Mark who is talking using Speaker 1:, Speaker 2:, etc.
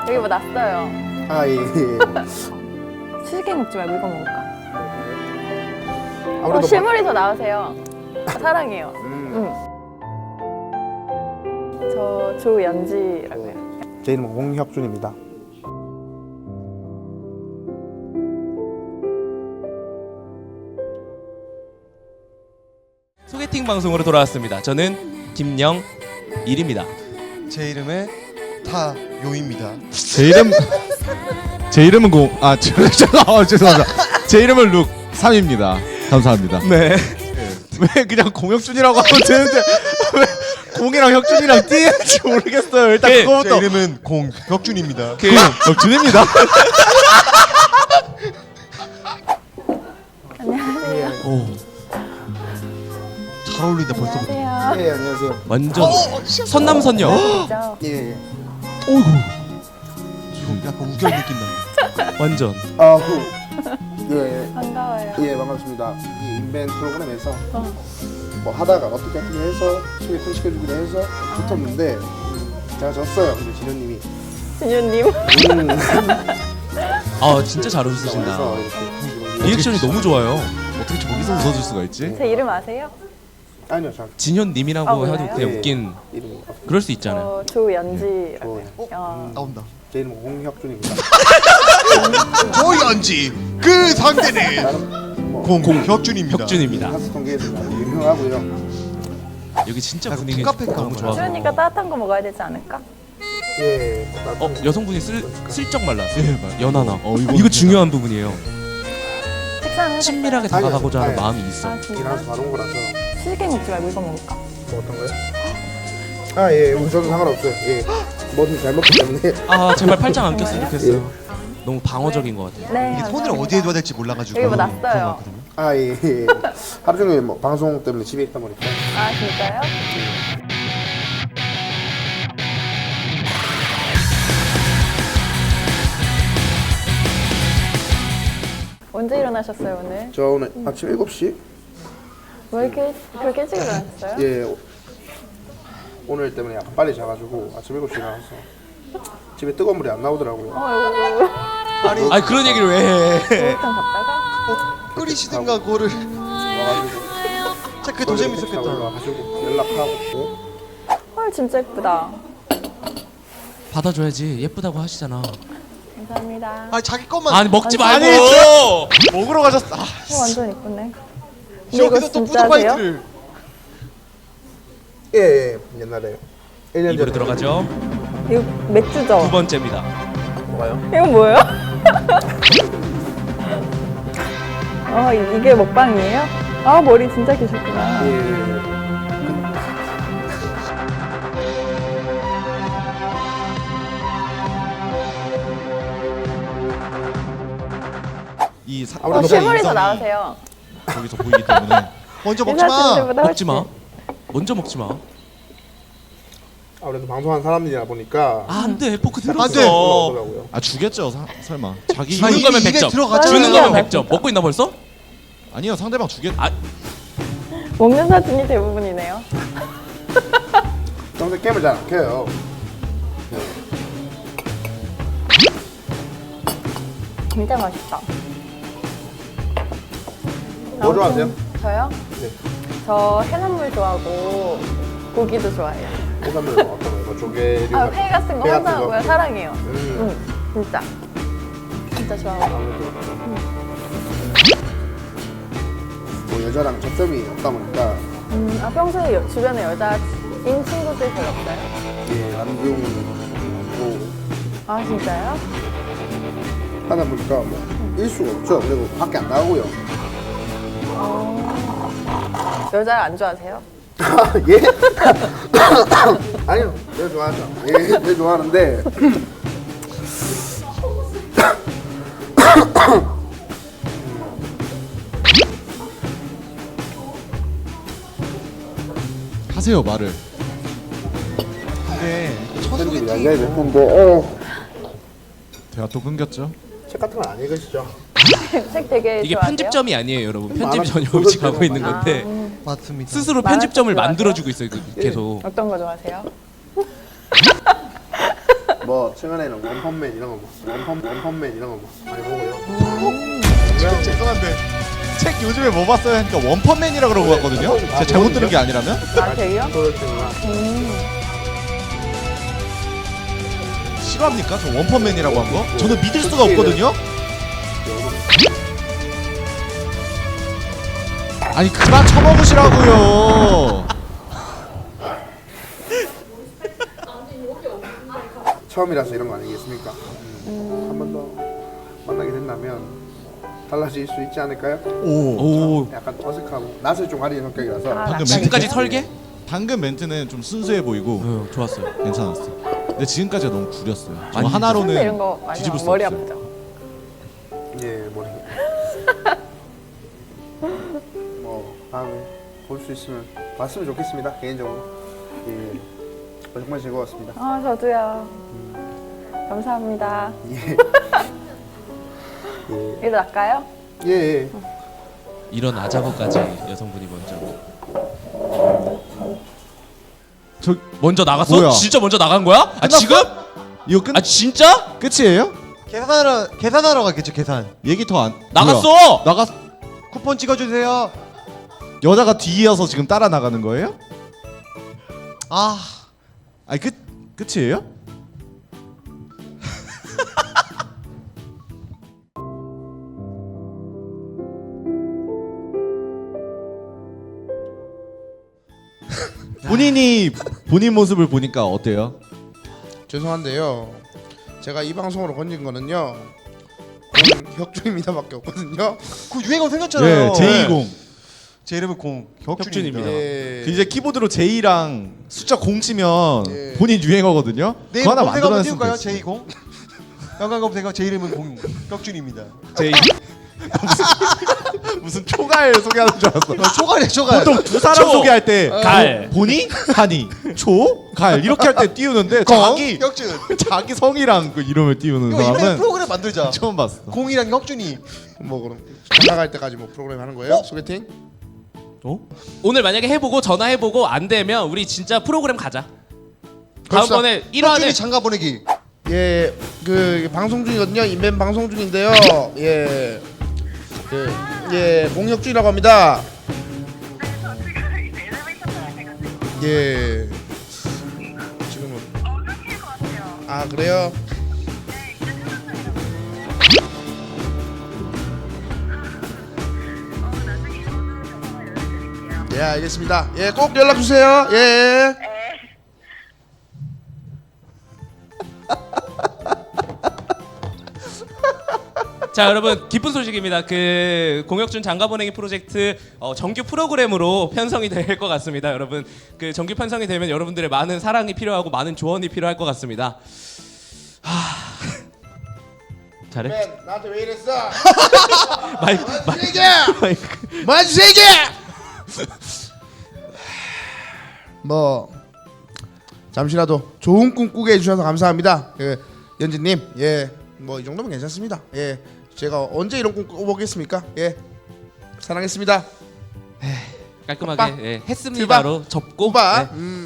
Speaker 1: 여기 뭐 났어요.
Speaker 2: 아, 예.
Speaker 1: 치즈케이크 먹지 말고 이거 먹을까?
Speaker 2: 아무래도
Speaker 1: 실물이 더 나으세요. 사랑해요. 저 조연지라고요.
Speaker 2: 제 이름은 홍혁준입니다.
Speaker 3: 소개팅 방송으로 돌아왔습니다. 저는 김영일입니다.
Speaker 4: 제 이름은 타요입니다.
Speaker 5: 제 이름은 죄송합니다. 제 이름은 룩 3입니다. 감사합니다.
Speaker 3: 네.
Speaker 5: 왜 그냥 공혁준이라고 하면 되는데 왜 공이랑 혁준이랑 띄는지 모르겠어요. 일단
Speaker 3: 제
Speaker 5: 그거부터.
Speaker 4: 제 이름은 공혁준입니다.
Speaker 5: 혁준입니다.
Speaker 1: 안녕하세요.
Speaker 4: 잘 어울린다 벌써부터.
Speaker 1: 안녕하세요.
Speaker 2: 예, 안녕하세요.
Speaker 3: 완전 선남선녀.
Speaker 1: 진짜.
Speaker 2: 예, 예.
Speaker 4: 지금 약간 우결 느낌 난다.
Speaker 3: 완전.
Speaker 2: 아후. 예,
Speaker 1: 반가워요.
Speaker 2: 예, 반갑습니다. 이 인벤 프로그램에서 뭐 하다가 어떻게 해서 소개팅 시켜주기로 해서 붙었는데 제가 졌어요. 근데 진현님이
Speaker 1: 진유님.
Speaker 3: 아 진짜 잘 웃으신다.
Speaker 2: 그래서 이렇게
Speaker 3: 리액션이 너무 좋아요.
Speaker 5: 어떻게 저기서 웃어줄 수가 있지?
Speaker 1: 제 이름 아세요?
Speaker 2: 아니요, 저
Speaker 3: 진현님이라고
Speaker 1: 아,
Speaker 3: 해도
Speaker 1: 그래요?
Speaker 3: 그냥
Speaker 2: 예.
Speaker 3: 웃긴.
Speaker 2: 이름이 없어요.
Speaker 3: 그럴 수 있잖아요.
Speaker 1: 저 조연지라고요.
Speaker 4: 나온다.
Speaker 2: 제 이름은 홍혁준입니다.
Speaker 4: 조연지 그 상대는
Speaker 2: 나는 뭐
Speaker 4: 공혁준입니다.
Speaker 3: 혁준입니다.
Speaker 2: 하스 통계에서 아주 유명하고요.
Speaker 3: 여기 진짜
Speaker 4: 약간
Speaker 3: 분위기
Speaker 4: 콩카페인가
Speaker 3: 너무
Speaker 4: 보다.
Speaker 3: 좋아서.
Speaker 1: 그러니까 따뜻한 거 먹어야 되지 않을까?
Speaker 2: 예,
Speaker 3: 여성분이 슬쩍 말랐어요. 연하나.
Speaker 5: 이거
Speaker 3: 이거 중요한 부분이에요.
Speaker 1: 식사는
Speaker 3: 친밀하게
Speaker 2: 아니요,
Speaker 3: 다가가고자 하는
Speaker 2: 아니요.
Speaker 3: 마음이 있어.
Speaker 1: 아 진짜?
Speaker 2: 일하면서 바른 거라서
Speaker 1: 치즈케이크 먹지 말고 이거 먹을까?
Speaker 2: 뭐 어떤 거요? 아, 예, 저도 상관없어요. 예, 뭐든 잘 먹기 때문에.
Speaker 3: 아 제발 팔짱 안 꼈으면
Speaker 1: 정말요?
Speaker 3: 좋겠어요. 너무 방어적인 것 같아요.
Speaker 1: 네.
Speaker 4: 이게 손을
Speaker 1: 감사합니다.
Speaker 4: 어디에 둬야 될지 몰라가지고
Speaker 1: 여기 뭐
Speaker 4: 그런 것
Speaker 1: 났어요.
Speaker 4: 같거든요.
Speaker 2: 아, 예, 예. 하루 종일 뭐 방송 때문에 집에 있다 보니까.
Speaker 1: 아 진짜요? 언제 일어나셨어요 오늘?
Speaker 2: 저 오늘 아침 7시?
Speaker 1: 왜 이렇게 그렇게 일찍 일어나셨어요?
Speaker 2: 예, 오늘 때문에 약간 빨리 자가지고 아침 7시에 나와서 집에 뜨거운 물이 안 나오더라고요.
Speaker 1: 이거
Speaker 3: 아니 그런 얘기를 왜 해?
Speaker 1: 목욕탕 갔다가
Speaker 4: 끓이시든가 그거를
Speaker 2: 와가지고
Speaker 4: 진짜 그게 더 재밌었겠다.
Speaker 2: 와가지고 연락하고.
Speaker 1: 헐 진짜 예쁘다.
Speaker 3: 받아줘야지. 예쁘다고 하시잖아.
Speaker 1: 감사합니다.
Speaker 4: 아니 자기 것만
Speaker 3: 아니 먹지 말고.
Speaker 5: 먹으러 가셨어. 아,
Speaker 1: 완전 예쁘네. 근데 이거
Speaker 4: 여기서 또
Speaker 1: 진짜세요?
Speaker 4: 푸드파이트를
Speaker 2: 예, 예, 옛날에 1년
Speaker 3: 입으로
Speaker 2: 전에.
Speaker 3: 들어가죠.
Speaker 1: 이거 맥주죠?
Speaker 3: 두 번째입니다.
Speaker 2: 뭐가요?
Speaker 1: 이건 뭐예요? 이게 먹방이에요? 아 머리 진짜 기셨구나.
Speaker 2: 예.
Speaker 5: 이
Speaker 2: 아무래도
Speaker 1: 실물이 더
Speaker 4: 인성이
Speaker 1: 나으세요.
Speaker 5: 저기서 보이기 때문에
Speaker 4: 먼저 먹지
Speaker 1: 인사
Speaker 4: 마.
Speaker 1: 친구보다
Speaker 3: 먹지 마.
Speaker 1: 훨씬.
Speaker 3: 먼저 먹지 마.
Speaker 2: 아무래도 방송하는 사람들이다 보니까
Speaker 3: 아, 안 돼. 포크 들었어.
Speaker 4: 안 돼.
Speaker 2: 올라오더라고요.
Speaker 5: 주겠죠. 설마 자기
Speaker 3: 주는
Speaker 4: 아니,
Speaker 3: 거면
Speaker 4: 입에
Speaker 3: 100점.
Speaker 4: 들어가죠.
Speaker 3: 주는
Speaker 1: 맞아요.
Speaker 3: 거면 100점. 먹고 있나 벌써?
Speaker 5: 아니요 상대방 주겠.
Speaker 1: 먹는 사진이 대부분이네요.
Speaker 2: 평소에 게임을 잘 안 켜요.
Speaker 1: 진짜 맛있다.
Speaker 2: 뭐 좋아하세요?
Speaker 1: 저요?
Speaker 2: 네.
Speaker 1: 저 해산물 좋아하고 고기도 좋아해요.
Speaker 2: 해산물 어떤 거요? 뭐 조개류?
Speaker 1: 회 같은 거
Speaker 2: 회 같은
Speaker 1: 환장하고요.
Speaker 2: 거?
Speaker 1: 사랑해요. 진짜. 진짜 좋아하고.
Speaker 2: 뭐 여자랑 접점이 없다 보니까
Speaker 1: 평소에 주변에 여자인 친구들 별로 없어요?
Speaker 2: 예, 남중
Speaker 1: 아 진짜요?
Speaker 2: 하다 보니까 뭐 일수가 없죠. 그리고 밖에 안 나가고요.
Speaker 1: 여자 안 좋아하세요?
Speaker 2: 예? 아니요, 내가 좋아하죠. 예, 내가 좋아하는데
Speaker 5: 하세요 말을.
Speaker 4: 근데 첫
Speaker 2: 편집이
Speaker 4: 소개팅이
Speaker 2: 날려야 될 텐데
Speaker 5: 대화 또 끊겼죠.
Speaker 2: 책 같은 건 안 읽으시죠?
Speaker 1: 책 되게
Speaker 3: 이게
Speaker 1: 좋아하세요?
Speaker 3: 편집점이 아니에요, 여러분. 편집
Speaker 2: 많아-
Speaker 3: 전혀 없이 가고 있는
Speaker 2: 많아.
Speaker 3: 건데
Speaker 4: 맞습니다.
Speaker 3: 스스로
Speaker 1: 만화책
Speaker 3: 편집점을
Speaker 1: 좋아하세요?
Speaker 3: 만들어주고 있어요, 계속.
Speaker 1: 어떤 거 좋아하세요?
Speaker 2: 뭐 최근에는 원펀맨 이런 거 원펀맨 이런 거 많이 보고요.
Speaker 5: 죄송한데 책 요즘에 뭐 봤어요? 하니까 원펀맨이라 그러고 왔거든요. 제가 잘못 들은 게 아니라면?
Speaker 1: 아, 되게요?
Speaker 5: 실화입니까? 저 원펀맨이라고 한 거? 저는 믿을 수가 없거든요. 아니 그만 쳐먹으시라고요.
Speaker 2: 처음이라서 이런 거 아니겠습니까? 한 번 더 만나게 된다면 달라질 수 있지 않을까요?
Speaker 5: 오.
Speaker 2: 약간 어색하고 낯을 좀 가리는 성격이라서
Speaker 1: 아,
Speaker 5: 방금
Speaker 3: 지금까지 설계?
Speaker 5: 방금 멘트는 좀 순수해 보이고
Speaker 3: 좋았어요.
Speaker 5: 괜찮았어. 근데 지금까지가 너무 구렸어요. 저
Speaker 3: 아니,
Speaker 1: 근데 이런
Speaker 5: 하나로는
Speaker 1: 거 많이
Speaker 5: 뒤집을 수
Speaker 1: 머리
Speaker 5: 없어요.
Speaker 1: 아프죠?
Speaker 2: 예 머리 뭐 다음에 볼 수 있으면 봤으면 좋겠습니다 개인적으로. 예 정말 즐거웠습니다.
Speaker 1: 아, 저도요. 감사합니다.
Speaker 2: 예.
Speaker 1: 일어날까요?
Speaker 2: 예. 예.
Speaker 3: 일어나자고까지 여성분이 먼저
Speaker 5: 저
Speaker 3: 먼저 나갔어?
Speaker 5: 뭐야?
Speaker 3: 진짜 먼저 나간 거야? 아 지금?
Speaker 5: 이거 끝
Speaker 3: 아 진짜?
Speaker 5: 끝이에요?
Speaker 4: 계산하러 갔겠죠 계산.
Speaker 5: 얘기 더 안
Speaker 3: 나갔어!
Speaker 5: 뭐야? 나갔
Speaker 4: 쿠폰 찍어주세요.
Speaker 5: 여자가 뒤이어서 지금 따라 나가는 거예요?
Speaker 4: 아
Speaker 5: 아니 끝이에요? 본인이 본인 모습을 보니까 어때요?
Speaker 2: 죄송한데요. 제가 이 방송으로 건진 거는요. 혁준입니다밖에 없거든요.
Speaker 4: 그 유행어 생겼잖아요.
Speaker 5: 네, 제20.
Speaker 4: 제 이름은 공 혁준입니다.
Speaker 2: 예.
Speaker 5: 그 이제 키보드로 J랑 숫자 0 치면
Speaker 2: 예.
Speaker 5: 본인 유행어거든요.
Speaker 4: 네,
Speaker 5: 그거 하나
Speaker 4: 검색 한번
Speaker 5: 만들어냈으면
Speaker 4: 띄울까요?
Speaker 5: 됐어요.
Speaker 4: 제20. 연관 검색어 제 이름은 공 혁준입니다.
Speaker 5: J 무슨 초갈 소개하는 줄 알았어.
Speaker 4: 초갈이야 초갈.
Speaker 5: 보통 두 사람
Speaker 3: 초,
Speaker 5: 소개할 때
Speaker 3: 갈.
Speaker 5: 보니 하니 초 갈 이렇게 할 때 띄우는데 자기
Speaker 4: 혁준.
Speaker 5: 자기 성이랑 그 이름을 띄우는
Speaker 4: 이거 이번에
Speaker 5: 사람은
Speaker 4: 프로그램 만들자.
Speaker 5: 처음 봤어.
Speaker 4: 공이랑 혁준이.
Speaker 2: 뭐 그럼 나갈 때까지 뭐 프로그램 하는 거예요? 소개팅?
Speaker 3: 오늘 만약에 해보고 전화해보고 안 되면 우리 진짜 프로그램 가자.
Speaker 2: 그럽시다.
Speaker 3: 다음번에
Speaker 4: 혁준이
Speaker 3: 1화에
Speaker 4: 장가 보내기.
Speaker 2: 예, 그 방송 중이거든요. 인벤 방송 중인데요. 예, 공혁준이라고 합니다. 예, 지금은 아 그래요? 예, 알겠습니다. 예, 꼭 연락 주세요. 예.
Speaker 3: 자 여러분 기쁜 소식입니다. 그 공혁준 장가 보내기 프로젝트 정규 프로그램으로 편성이 될 것 같습니다. 여러분 그 정규 편성이 되면 여러분들의 많은 사랑이 필요하고 많은 조언이 필요할 것 같습니다. 잘해?
Speaker 2: 맨 나한테 왜 이랬어?
Speaker 3: 마이크
Speaker 2: 세게! 마주 세게! 뭐 잠시라도 좋은 꿈 꾸게 해주셔서 감사합니다. 그 연진님, 예, 뭐 이 정도면 괜찮습니다. 예, 제가 언제 이런 꿈 꿔보겠습니까? 예, 사랑했습니다.
Speaker 3: 깔끔하게
Speaker 2: 오빠.
Speaker 3: 예, 했습니다로 접고
Speaker 2: 오빠,
Speaker 3: 네.